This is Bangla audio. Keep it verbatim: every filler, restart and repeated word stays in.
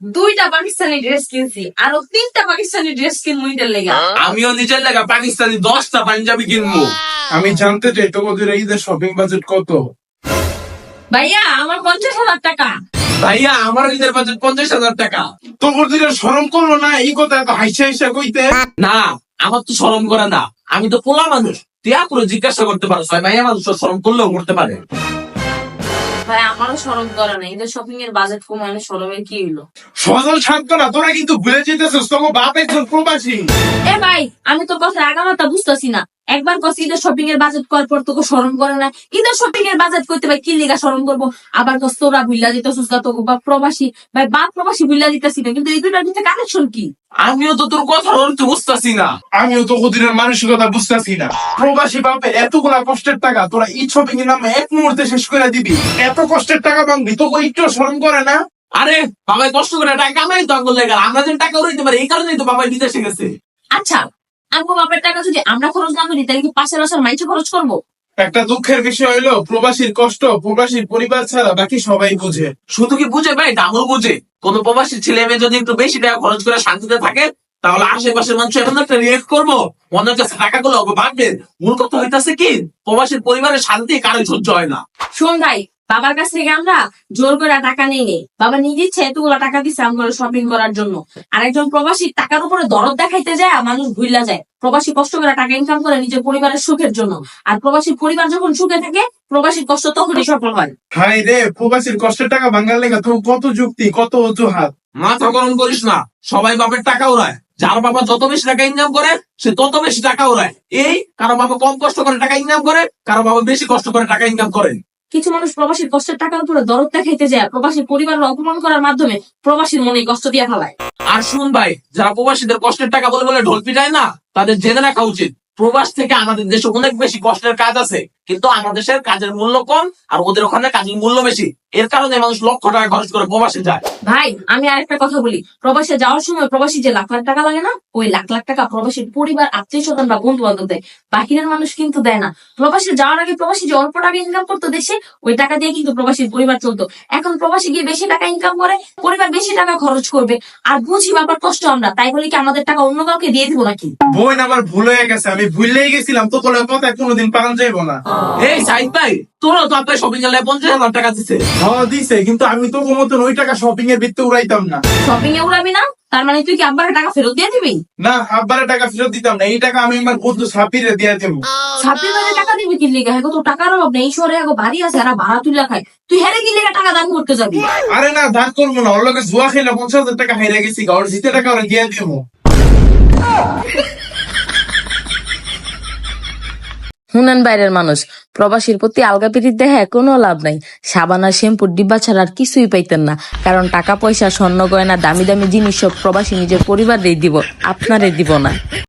দুইটা পাকিস্তানি ড্রেস কিনছি, আরো তিনটা পাকিস্তানি ড্রেস কিনবো ঈদের লেগা। আমিও নিজের লাগা পাকিস্তানি দশটা পাঞ্জাবি কিনবো। আমি জানতে চাই তোদের ঈদের শপিং বাজেট কত? ভাইয়া আমার পঞ্চাশ হাজার টাকা। ভাইয়া আমার ঈদের বাজেট পঞ্চাশ হাজার টাকা। তোদের শরম করলো না এই কথা এত হাইসা হাইসা কইতে? না, আমার তো শরম করে না, আমি তো পোলা মানুষ। তুই পুরো জিজ্ঞাসা করতে পারো, ভাইয়া মানুষ শরম করলেও করতে পারে। ভাই আমারও শরম করে না, ঈদের শপিং এর বাজেট কমানো শরমের কি হলো? সজল শান্ত না, তোরা কিন্তু ভুলে যেতেছিস তোকে বাপ একজন প্রবাসী। এ ভাই আমি তোর কথা আগামাতা বুঝতেছি না। একবার কস ঈদের শপিং এর বাজেট করার পর তোকে শরম করে না। ঈদের শপিং এর বাজেট করতে ভাই কি লিগা শরম করবো? আবার কস তোরা ভুল্লা দিতেছিস না, তোকে বা প্রবাসী ভাই বাপ প্রবাসী ভুল্লা দিতেছি না, কিন্তু এই দুটার ভিতরে কানেকশন কি? আমিও তো তোর কথা অর্থ বুঝতেছি না। আমিও তো ওদের মানসিকতা বুঝতেছি না। প্রবাসী বাপের এতগুলা কষ্টের টাকা তোরা ঈদ শপিং এর নামে এক মুহূর্তে শেষ করে দিবি। এত কষ্টের টাকা ভাঙবি, তোকে একটু শরম করে না? আরে বাবাই কষ্ট করে টাকা কামাই তো আঙ্গুল লেগে, আমরা যেন টাকা উড়াইতে পারি এই কারণেই তো বাবাই বিদেশে গেছে। আচ্ছা আমগো বাপের টাকা যদি আমরা খরচ না করি তাহলে কি পাশের বাসার মাইছে খরচ করবো? একটা দুঃখের বিষয় হলো প্রবাসীর কষ্ট প্রবাসীর পরিবার ছাড়া বাকি সবাই বুঝে। শুধু কি বুঝে ভাই, ডাবল বুঝে। কোন প্রবাসী ছেলে মেয়ে যদি একটু বেশি টাকা খরচ করে শান্তিতে থাকে তাহলে আশেপাশের মানুষ এমন একটা রিয়েক্ট করবো, অনেক কাছে টাকা গুলো ভাববে। মূল কথা হইতাছে কি, প্রবাসীর পরিবারের শান্তি কারো সহ্য হয় না। শোন ভাই, বাবার কাছ থেকে আমরা জোর করে টাকা নেই নেই, বাবা নিজে ইচ্ছে এতগুলো টাকা দিচ্ছে আমরা শপিং করার জন্য। আর একজন প্রবাসী টাকার উপরে দরদ দেখাইতে যায় মানুষ ভুইলা যায়। প্রবাসী কষ্ট করে টাকা ইনকাম করে নিজের পরিবারের সুখের জন্য, আর প্রবাসীর পরিবার যখন সুখে থাকে প্রবাসীর কষ্ট তখনই সফল হয়। হাই রে, প্রবাসীর কষ্টের টাকা ভাঙার লেগে তো কত যুক্তি কত অজুহাত। মাথা গরম করিস না, সবাই বাপের টাকা উড়ায়। যার বাবা যত বেশি টাকা ইনকাম করে সে তত বেশি টাকা উড়ায়। এই কারো বাবা কম কষ্ট করে টাকা ইনকাম করে, কারো বাবা বেশি কষ্ট করে টাকা ইনকাম করে। কিছু মানুষ প্রবাসীর কষ্টের টাকার উপরে দরদ দেখাইতে যায় প্রবাসীর পরিবারের অপমান করার মাধ্যমে প্রবাসীর মনে কষ্ট দিয়ে ফেলায়। আর শুন ভাই, যারা প্রবাসীদের কষ্টের টাকা বলে বলে ঢোল পিটায় না, তাদের জেনে রাখা উচিত প্রবাস থেকে আমাদের দেশে অনেক বেশি কষ্টের কাজ আছে, কিন্তু আমাদের দেশের কাজের মূল্য কম আর ওদের ওখানে কাজের মূল্য বেশি। এর কারণে মানুষ লক্ষ টাকা খরচ করে প্রবাসে যায়। ভাই আমি আরেকটা কথা বলি, প্রবাসে যাওয়ার সময় প্রবাসী যে লাখ লাখ টাকা লাগে না, ওই লাখ লাখ টাকা প্রবাসীর পরিবার আত্মীয় স্বজন বা বন্ধু বান্ধব দেয়, বাকিদের মানুষ কিন্তু দেয় না। প্রবাসে যাওয়ার আগে প্রবাসী যে অল্প টাকা ইনকাম করতো দেশে, ওই টাকা দিয়ে কিন্তু প্রবাসীর পরিবার চলতো। এখন প্রবাসী গিয়ে বেশি টাকা ইনকাম করে, পরিবার বেশি টাকা খরচ করবে, আর বুঝি বাবার কষ্ট আমরা, তাই বলি কি আমাদের টাকা অন্য কাউকে দিয়ে দিব নাকি? বোন আমার ভুল হয়ে গেছে, আমি ভুললেই গেছিলাম, তো তোর কথা কোনোদিন পালন যাইবো না। এই সাইদ ভাই, তোরও তো আপনার শপিং এর পঞ্চাশ হাজার টাকা দিচ্ছে। হ্যাঁ দিছে, কিন্তু আমি তো মতন ওই টাকা শপিং এর ভিত্তি উড়াইতাম না। শপিং এ উড়াবি না, তার মানে তুই কি আব্বার টাকা ফেরত দিয়ে দিবি? না, আব্বারে টাকা ফেরত দিতাম না, এই টাকা আমি আমার বন্ধু সাপিরে দিয়ে দেবো। ছাব্বিশ হাজার টাকা দিবি কি লিগা? হ্যাঁ তো টাকার অভাব নেই, এই শহরে এখন বাড়ি আছে, এরা ভাড়া তুলে খায়, তুই হেরে কি লিগা টাকা দান করতে যাবি? আরে না, দান করবো না, ওর লোকে জুয়া খেলে পঞ্চাশ হাজার টাকা হাইরা গেছি, ওর জিতে টাকা ওরা দিয়ে দেবো। হুনান বাইরের মানুষ প্রবাসীর প্রতি আলগা পিরিত দেখে কোনো লাভ নাই। সাবান আর শ্যাম্পুর ডিব্বা ছাড়া আর কিছুই পাইতেন না, কারণ টাকা পয়সা স্বর্ণ গয়না দামি দামি জিনিস সব প্রবাসী নিজের পরিবারেই দিব, আপনারে দিব না।